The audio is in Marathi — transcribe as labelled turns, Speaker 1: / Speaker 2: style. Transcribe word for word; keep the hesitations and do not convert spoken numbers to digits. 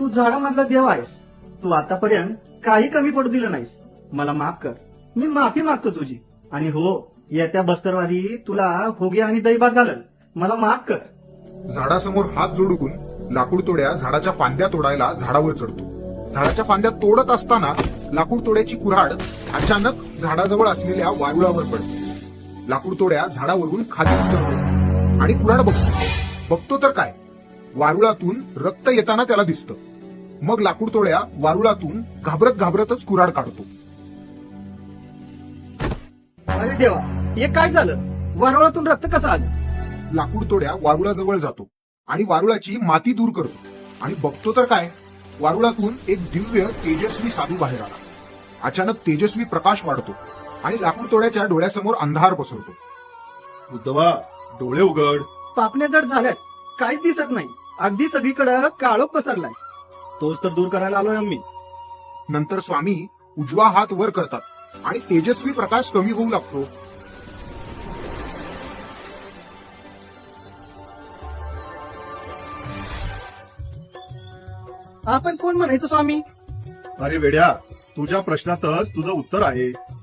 Speaker 1: तू झाडामधला देव आहेस. तू आतापर्यंत काही कमी पडू दिलं नाहीस. मला माफ कर. मी माफी मागतो तुझी. आणि हो, येत्या बस्तरवारी तुला होगे आणि दैबात घालल. मला माफ कर.
Speaker 2: झाडासमोर हात जोडून लाकूड तोड्या झाडाच्या फांद्या तोडायला झाडावर चढतो. झाडाच्या फांद्या तोडत असताना लाकूड तोड्याची कुऱ्हाड अचानक झाडाजवळ असलेल्या वारुळावर पडते. लाकूड तोड्या झाडावरून खाली उतरतो आणि कुऱ्हाड बघतो. बघतो तर काय, वारुळातून रक्त येताना त्याला दिसतं. मग लाकूड तोड्या वारुळातून घाबरत घाबरतच कुऱ्हाड काढतो.
Speaker 1: अरे देवा, हे काय झालं? वारुळातून रक्त कसं आलं?
Speaker 2: लाकूड तोड्या वारुळाजवळ जातो आणि वारुळाची माती दूर करतो आणि बघतो तर काय, वारुळातून एक दिव्य तेजस्वी साधू बाहेर आला. अचानक तेजस्वी प्रकाश वाढतो आणि लाकूड तोड्याच्या डोळ्यासमोर अंधार पसरतो.
Speaker 3: उद्धवा, डोळे उघड.
Speaker 1: पापण्या जड झाल्यात. काहीच दिसत नाही. अगदी सगळीकडे काळोख पसरलाय. तोच तर दूर करायला आलोय आम्ही.
Speaker 2: नंतर स्वामी उजवा हात वर करतात आणि तेजस्वी प्रकाश कमी होऊ लागतो.
Speaker 1: आपण कोण म्हणायचं स्वामी?
Speaker 3: अरे वेड्या, तुझ्या प्रश्नातच तुझं उत्तर आहे.